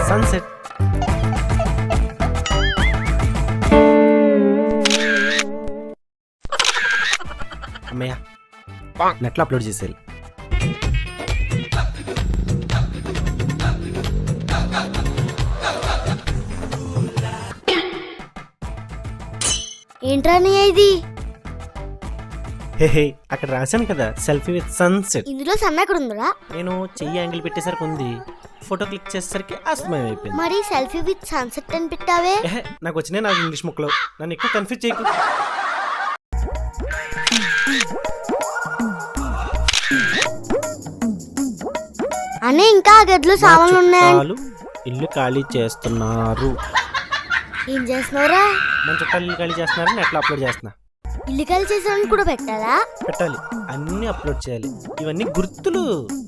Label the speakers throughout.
Speaker 1: Sunset. అమ్మయ్య, నెట్లో upload చేసేయాలి.
Speaker 2: ఏంట్రా ఇది?
Speaker 1: హే అక్కడ రాశాను కదా, సెల్ఫీ విత్ సన్సెట్.
Speaker 2: ఇందులో సన్ ఎక్కడ ఉందిరా?
Speaker 1: నేను చెయ్యి యాంగిల్ పెట్టేసరికి ఉంది, ఫోటో క్లిక్ చేసేసరికి అస్తమయం అయిపోయింది.
Speaker 2: మరి సెల్ఫీ విత్ సన్సెట్ అని పెట్టావే?
Speaker 1: నాకు వచ్చినాయి నాకు ఇంగ్లీష్ ముక్కలు, నన్ను ఎక్కువ కన్ఫ్యూజ్ చేయకు.
Speaker 2: అనే ఇంకా గదిలో సామాన్లు ఉన్నాయి.
Speaker 1: ఇల్లు ఖాళీ చేస్తున్నారు.
Speaker 2: ఏం చేస్తున్నారా?
Speaker 1: మన చుట్టాలు ఇల్లు ఖాళీ చేస్తున్నారు, నెట్లో అప్లోడ్ చేస్తున్నా.
Speaker 2: ఇల్లు ఖాళీ చేసాను కూడా పెట్టాలా?
Speaker 1: పెట్టాలి, అన్ని అప్లోడ్ చేయాలి. ఇవన్నీ గుర్తులు.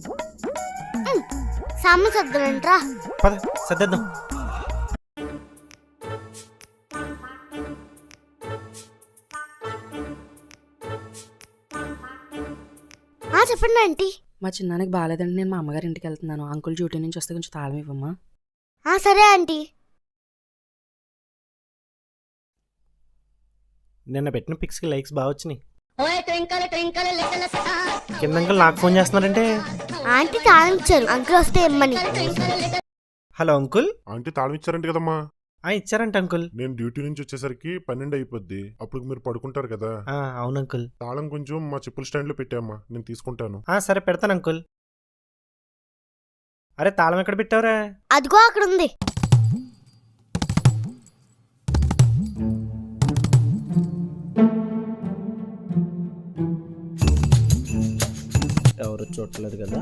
Speaker 2: సామాన్ సర్దరంట్రా.
Speaker 1: పద సర్దేద్దాం.
Speaker 2: చెప్పండి ఆంటీ.
Speaker 3: మా చిన్నానికి బాగాలేదండి, నేను మా అమ్మగారి ఇంటికి వెళ్తున్నాను. అంకుల్ డ్యూటీ నుంచి వస్తే కొంచెం తాళం ఇవ్వమ్మా.
Speaker 2: సరే ఆంటీ.
Speaker 1: నిన్న పెట్టిన పిక్స్ కి లైక్స్ బాగా వచ్చినాయి. కింద అంకుల్ నాకు ఫోన్ చేస్తున్నారంటే
Speaker 2: ఆంటీ తాళం ఇచ్చారు, అంకుల్ వస్తే ఇమ్మని.
Speaker 1: Hello uncle.
Speaker 4: ఆంటీ తాళం ఇచ్చారంట కదమ్మా?
Speaker 1: ఇచ్చారంట అంకుల్.
Speaker 4: నేను డ్యూటీ నుంచి వచ్చేసరికి 12 అయిపోద్ది, అప్పుడు మీరు పడుకుంటారు కదా.
Speaker 1: అవును అంకుల్.
Speaker 4: తాళం కొంచెం మా చెప్పుల స్టాండ్ లో పెట్టామ్మా, నేను తీసుకుంటాను.
Speaker 1: సరే పెడతాను అంకుల్. అరే తాళం ఎక్కడ పెట్టావురా?
Speaker 2: అదిగో అక్కడ ఉంది.
Speaker 1: ఎవరు చూడలేదు కదా.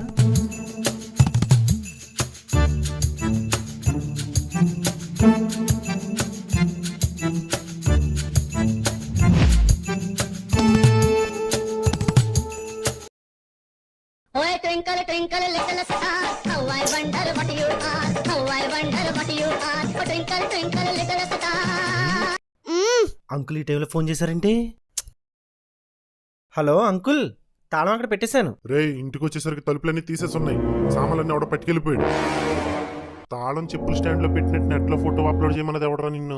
Speaker 5: Twinkle, twinkle, little star, how I wonder what you are, how I wonder what you are, twinkle, twinkle, little star.
Speaker 1: Uncle ఈ టైంలో ఫోన్ చేశారంటే. హలో అంకుల్, తాళం అక్కడ పెట్టేశాను.
Speaker 4: రే, ఇంటికి వచ్చేసరికి తలుపులన్నీ తీసేసున్నాయి, సామాన్లన్నీ ఎవడో పట్టుకెళ్ళిపోయాడు. తాళం చెప్పుల స్టాండ్ లో పెట్టినట్టు నెట్ లో ఫోటో అప్లోడ్ చేయమన్నది ఎవడరా నిన్ను?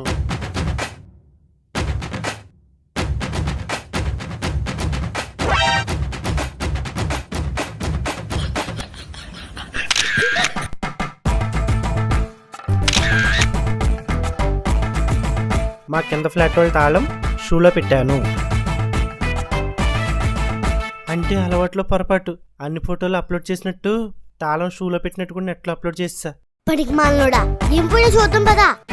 Speaker 1: మా కింద ఫ్లాట్ వాళ్ళ తాళం షూలో పెట్టాను. అంటే అలవాట్లో పొరపాటు. అన్ని ఫోటోలు అప్లోడ్ చేసినట్టు తాళం షూలో పెట్టినట్టు కూడా నెట్లో అప్లోడ్ చేస్తా.
Speaker 2: పడికి మాలనోడా, ఏం పోయినా చూద్దాం పదా.